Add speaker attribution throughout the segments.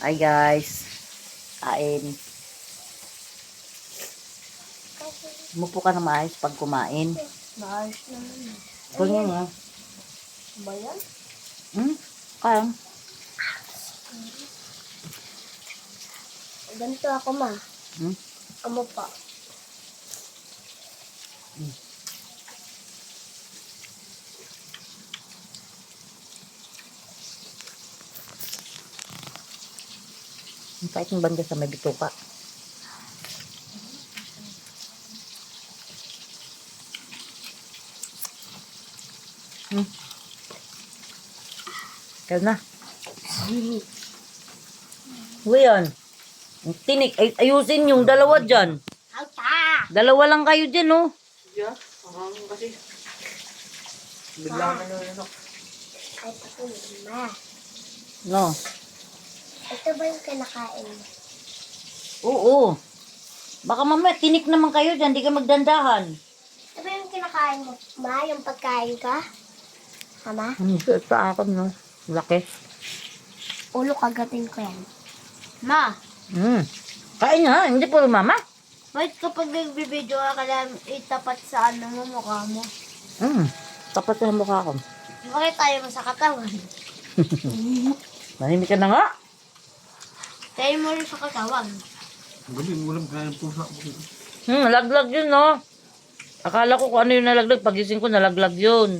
Speaker 1: Hi guys. Kain. Umupo ka na maayos pag kumain.
Speaker 2: Maayos naman.
Speaker 1: Ganyan nga.
Speaker 2: Ba yan?
Speaker 1: Kaya.
Speaker 2: Ganito ako, ma. Amo pa.
Speaker 1: Ang pait ng banda sa may bituka. Kaya na. Ngayon. Tinik. Ayusin yung dalawa dyan.
Speaker 2: Alta!
Speaker 1: Dalawa lang kayo dyan, oh.
Speaker 3: Yeah, kasi bigla na nalunok.
Speaker 2: Ay, ako ma.
Speaker 1: No.
Speaker 2: Ito ba yung kinakain mo?
Speaker 1: Oo. Baka mamaya tinik naman kayo dyan. Di ka magdandahan.
Speaker 2: Ito ba yung kinakain mo? Ma, yung pagkain ka? Ama?
Speaker 1: Sa akin, no. Laki.
Speaker 2: Ulo kagatin ko yan. Ma,
Speaker 1: Kain nga. Hindi po mama.
Speaker 2: wait kapag nagbibideo ka lang itapat sa ano mo, mukha mo.
Speaker 1: Tapat sa mukha ko.
Speaker 2: Bakit tayo mo sa katawan?
Speaker 1: Manimik ka na nga.
Speaker 2: Tayo mo rin sa katawan.
Speaker 3: Gabi, walang kaya ng pusa.
Speaker 1: Nalaglag yun, no. Akala ko kung ano yung nalaglag. Pagising ko, nalaglag yun.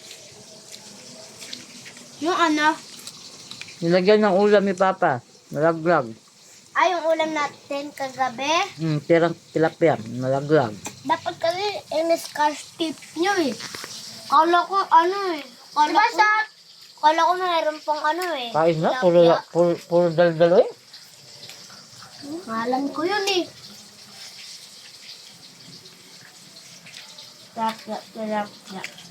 Speaker 2: Yung ano?
Speaker 1: Nilagyan ng ulam ni Papa. Nalaglag.
Speaker 2: Ay, yung ulam natin kagabi.
Speaker 1: Tirang tilapia. Nalaglag.
Speaker 2: Dapat kasi in-scarf tip nyo eh. Kala ko ano eh. Kala ko mayroon pang ano eh.
Speaker 1: Kain na.
Speaker 2: Tilapia.
Speaker 1: Puro daldalo eh.
Speaker 2: Ngalan ko yun eh. Tilapia.